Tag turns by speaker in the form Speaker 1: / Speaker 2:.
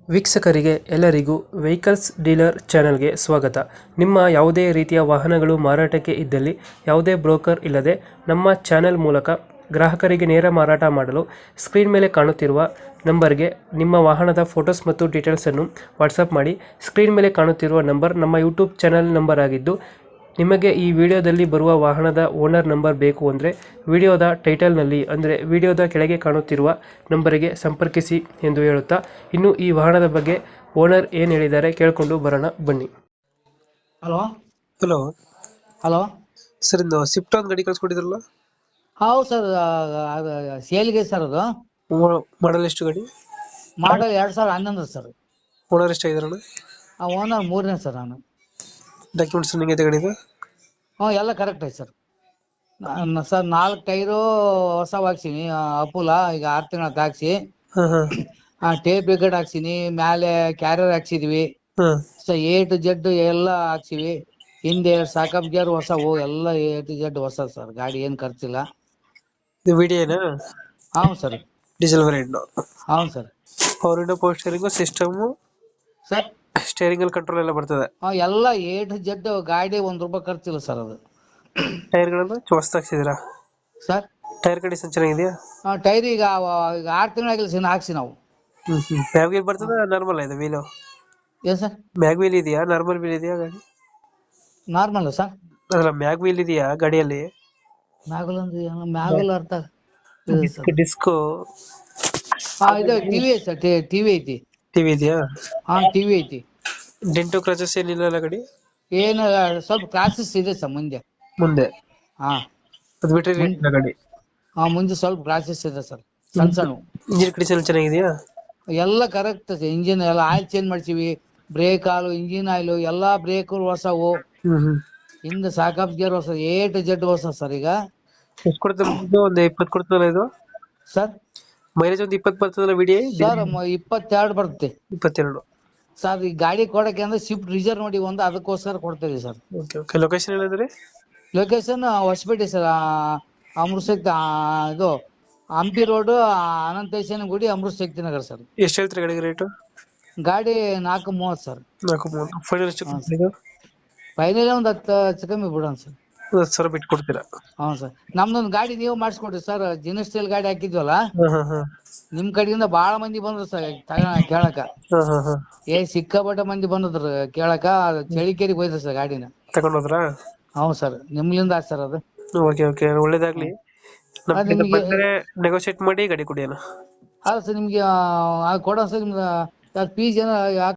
Speaker 1: ವೀಕ್ಷಕರಿಗೆ ಎಲ್ಲರಿಗೂ vehicles dealer ಚಾನೆಲ್ಗೆ ಸ್ವಾಗತ. ನಿಮ್ಮ ಯಾವುದೇ ರೀತಿಯ ವಾಹನಗಳು ಮಾರಾಟಕ್ಕೆ ಇದ್ದಲ್ಲಿ ಯಾವುದೇ ಬ್ರೋಕರ್ ಇಲ್ಲದೆ ನಮ್ಮ ಚಾನೆಲ್ ಮೂಲಕ ಗ್ರಾಹಕರಿಗೆ ನೇರ ಮಾರಾಟ ಮಾಡಲು ಸ್ಕ್ರೀನ್ ಮೇಲೆ ಕಾಣುತ್ತಿರುವ ನಂಬರ್ಗೆ ನಿಮ್ಮ ವಾಹನದ ಫೋಟೋಸ್ ಮತ್ತು ಡೀಟೇಲ್ಸನ್ನು ವಾಟ್ಸಪ್ ಮಾಡಿ. ಸ್ಕ್ರೀನ್ ಮೇಲೆ ಕಾಣುತ್ತಿರುವ ನಂಬರ್ ನಮ್ಮ ಯೂಟ್ಯೂಬ್ ಚಾನೆಲ್ ನಂಬರ್ ಆಗಿದ್ದು, ನಿಮಗೆ ಈ ವಿಡಿಯೋದಲ್ಲಿ ಬರುವ ವಾಹನದ ಓನರ್ ನಂಬರ್ ಬೇಕು ಅಂದರೆ ವಿಡಿಯೋದ ಟೈಟಲ್ನಲ್ಲಿ ಅಂದರೆ ವಿಡಿಯೋದ ಕೆಳಗೆ ಕಾಣುತ್ತಿರುವ ನಂಬರಿಗೆ ಸಂಪರ್ಕಿಸಿ ಎಂದು ಹೇಳುತ್ತಾ, ಇನ್ನು ಈ ವಾಹನದ ಬಗ್ಗೆ ಓನರ್ ಏನು ಹೇಳಿದ್ದಾರೆ ಕೇಳಿಕೊಂಡು ಬರೋಣ ಬನ್ನಿ.
Speaker 2: ಹಲೋ
Speaker 1: ಹಲೋ
Speaker 2: ಹಲೋ
Speaker 1: ಸರ್, ಇಂದು ಸ್ವಿಫ್ಟ್ ಒಂದು ಗಾಡಿ ಕಳ್ಸ್ಕೊಟ್ಟಿದ್ರಲ್ಲ,
Speaker 2: ಹೌದು ಸರ್, ಸೇಲ್ಗೆ ಸರ್. ಅದು
Speaker 1: ಮಾಡಲ್ ಎಷ್ಟು ಗಾಡಿ?
Speaker 2: Model 2011 sir.
Speaker 1: ಓನರ್ ಎಷ್ಟಾಗಿದಾರಣ?
Speaker 2: ಓನರ್ 3ನೇ ಸರ್. ನಾನು
Speaker 1: ಡಾಕ್ಯುಮೆಂಟ್ಸ್ ನಿಮಗೆ ಗಾಡಿದು?
Speaker 2: ಎಲ್ಲ ಕರೆಕ್ಟ್ ಐತೆ ಸರ್. ಸರ್ 4 ಟೈರು ಹೊಸ ಹಾಕ್ಸಿನಿ, ಅಪುಲ ಈಗ 6 ತಿಂಗಳ ಹಾಕ್ಸಿ.
Speaker 1: ಹಾಂ ಹಾಂ
Speaker 2: ಟೇಪ್ ಬ್ರಿಗೇಡ್ ಹಾಕ್ಸಿನಿ, ಮ್ಯಾಲೆ ಕ್ಯಾರಿಯರ್ ಹಾಕ್ಸಿದ್ವಿ.
Speaker 1: ಹಾಂ
Speaker 2: ಸೊ A to Z ಎಲ್ಲ ಹಾಕ್ಸಿವಿ. ಹಿಂದೆ ಸಾಕಪ್ ಗೇರ್ ಹೊಸವು, ಎಲ್ಲ A to Z ಹೊಸ ಸರ್. ಗಾಡಿ ಏನ್ ಖರ್ಚಿಲ್ಲ.
Speaker 1: ಇದು ವಿಡಿಯೋನಾ?
Speaker 2: ಹೌದು ಸರ್.
Speaker 1: Diesel variant?
Speaker 2: ಹೌದು sir.
Speaker 1: Power window, power steering, system,
Speaker 2: sir
Speaker 1: steering ಅಲ್ಲಿ ಕಂಟ್ರೋಲ್ ಎಲ್ಲ ಬರ್ತದೆ?
Speaker 2: ಎಲ್ಲ A to Z ಗಾಡಿ ₹1 ಖರ್ಚಿಲ್ಲ ಸರ್. ಅದು
Speaker 1: ಟೈರ್ಗಳನ್ನು ಹೊಸ್ತು ಹಾಕ್ಸಿದ್ದೀರಾ
Speaker 2: ಸರ್?
Speaker 1: ಟೈರ್ ಕಂಡೀಷನ್ ಚೆನ್ನಾಗಿದೆಯಾ?
Speaker 2: ಟೈರ್ ಈಗ 6 ತಿಂಗಳಾಗಿಲ್ಲ ಹಾಕ್ಸಿ ನಾವು.
Speaker 1: ಮ್ಯಾಗ್ ವೀಲ್ ಬರ್ತದ, ನಾರ್ಮಲ್ ಇದೆ ವೀಲು?
Speaker 2: ಏನ್ ಸರ್?
Speaker 1: ಮ್ಯಾಗ್ ವೀಲ್ ಇದೆಯಾ, ನಾರ್ಮಲ್ ವೀಲ್ ಇದೆಯಾ ಗಾಡಿ?
Speaker 2: Normal sir.
Speaker 1: ಅಲ್ಲ, ಮ್ಯಾಗ್ ವೀಲ್ ಇದೆಯಾ ಗಾಡಿಯಲ್ಲಿ?
Speaker 2: ಮ್ಯಾಗಲ್ ಅಂದ್ರೆ ಮ್ಯಾಗಲ್ ಅರ್ಥ
Speaker 1: ಡಿಸ್ಕೋ
Speaker 2: ಇದು ಟಿವಿ ಐತಿ ಸರ್. ಟಿವಿ ಐತಿ.
Speaker 1: ಟಿವಿ ಇದೆಯಾ?
Speaker 2: ಟಿವಿ ಐತಿ.
Speaker 1: ಡೆಂಟೋ ಕ್ರಾಚಸ್ ಏನಿಲ್ಲ ಗಾಡಿ?
Speaker 2: ಏನು ಸ್ವಲ್ಪ ಕ್ರಾಸಸ್ ಇದೆ ಸರ್ ಮುಂದೆ.
Speaker 1: ಮುಂದೆ
Speaker 2: ಹಾ
Speaker 1: ಅದು ಬಿಟ್ರೆ ಏನಿಲ್ಲ ಗಾಡಿ?
Speaker 2: ಮುಂದೆ ಸ್ವಲ್ಪ ಕ್ರಾಸಸ್ ಇದೆ ಸರ್, ಸಣ್ಣ ಸಣ್ಣ.
Speaker 1: ಇಂಜಿನ್ ಕಂಡೀಷನ್ ಚೆನ್ನಾಗಿದೆಯಾ?
Speaker 2: ಎಲ್ಲ ಕರೆಕ್ಟ್. ಇಂಜಿನ್ ಎಲ್ಲ ಆಯಿಲ್ ಚೇಂಜ್ ಮಾಡ್ಸಿವಿ. ಬ್ರೇಕ್ ಆಯಿಲ್, ಇಂಜಿನ್ ಆಯಿಲ್, ಎಲ್ಲಾ ಬ್ರೇಕ್ ಹೊಸವು. ಹಿಂದೆ ಸಾಕಪ್ ಗೇರ್ ಹೊಸ, A to Z ಹೊಸ ಸರ್. ಈಗ
Speaker 1: ಎಷ್ಟು ಕೊಡ್ತದೆ? ಒಂದು 20 ಕೊಡ್ತದಲ್ಲ ಇದು
Speaker 2: ಸರ್?
Speaker 1: ಮೈಲೇಜ್? ಒಂದು 20 ಬರ್ತದಲ್ಲ ವಿಡಿಯೋ
Speaker 2: ಸರ್ 22 ಬರುತ್ತೆ
Speaker 1: 22?
Speaker 2: ಸರ್. ಈ ಗಾಡಿ ಕೊಡಕ್ಕೆ ಅಂದ್ರೆ ಸ್ವಿಫ್ಟ್ ಡಿಸೈರ್ ನೋಡಿ ಒಂದು, ಅದಕ್ಕೋಸ್ಕರ ಕೊಡ್ತೇವೆ ಸರ್.
Speaker 1: Okay okay. ಲೊಕೇಶನ್ ಹೇಳಿದ್ರೆ?
Speaker 2: Location Hosapete sir. ಅಮೃತಶಕ್ತಿ ಇದು ಹಂಪಿ ರೋಡ್, ಅನಂತೇಶನ ಗುಡಿ, ಅಮೃತಶಕ್ತಿ ನಗರ ಸರ್.
Speaker 1: ಎಷ್ಟು ಹೇಳ್ತೀರಿ ಗಾಡಿಗೆ ರೇಟು?
Speaker 2: ಗಾಡಿ 430 ಸರ್.
Speaker 1: 430. ಫೈನಲ್ ಎಷ್ಟು ಕೊಡ್ತೀರಾ?
Speaker 2: ಫೈನಲ್ ಒಂದು 10 ಹೆಚ್ಚು ಕಮ್ಮಿ ಬಿಡೋಣ ಸರ್.
Speaker 1: 10,000 ಬಿಟ್ಟು ಕೊಡ್ತೀರಾ?
Speaker 2: ಹ್ಞೂ ಸರ್. ನಮ್ದೊಂದು ಗಾಡಿ ನೀವು ಮಾಡಿಸ್ಕೊಡ್ರಿ ಸರ್. ಜಿನಸ್ ಸ್ಟೈಲ್ ಗಾಡಿ ಹಾಕಿದ್ವಲ್ಲ,
Speaker 1: ಹಾಂ
Speaker 2: ನಿಮ್ ಕಡೆಯಿಂದ ಬಾಳ ಮಂದಿ ಬಂದ್ರು ಸರ್ ಕೇಳಕ.
Speaker 1: ಹಾಂ.
Speaker 2: ಸಿಕ್ಕಾಪಟ್ಟೆ ಮಂದಿ ಬಂದದ್ರು ಕೇಳಕ. ಚಳಿಕೇರಿಗೆ ಹೋಯ್ತು ಸರ್ ಗಾಡಿನ
Speaker 1: ತಗೊಂಡೋದ್ರಾ?
Speaker 2: ಹೌದು ಸರ್, ನಿಮ್ಲಿಂದ ಸರ್ ಅದು.
Speaker 1: ಓಕೆ ಓಕೆ, ಒಳ್ಳೇದಾಗ್ಲಿ. ನೆಗೋಶಿಯೇಟ್ ಮಾಡಿ ಗಾಡಿ ಕೊಡಿ ಅಣ್ಣ.
Speaker 2: ಅಲ್ಲ ಸರ್, ನಿಮ್ಗೆ ಕೊಡೋ ಸರ್. ನಿಮ್ದು ಫೀಸ್ ಏನೋ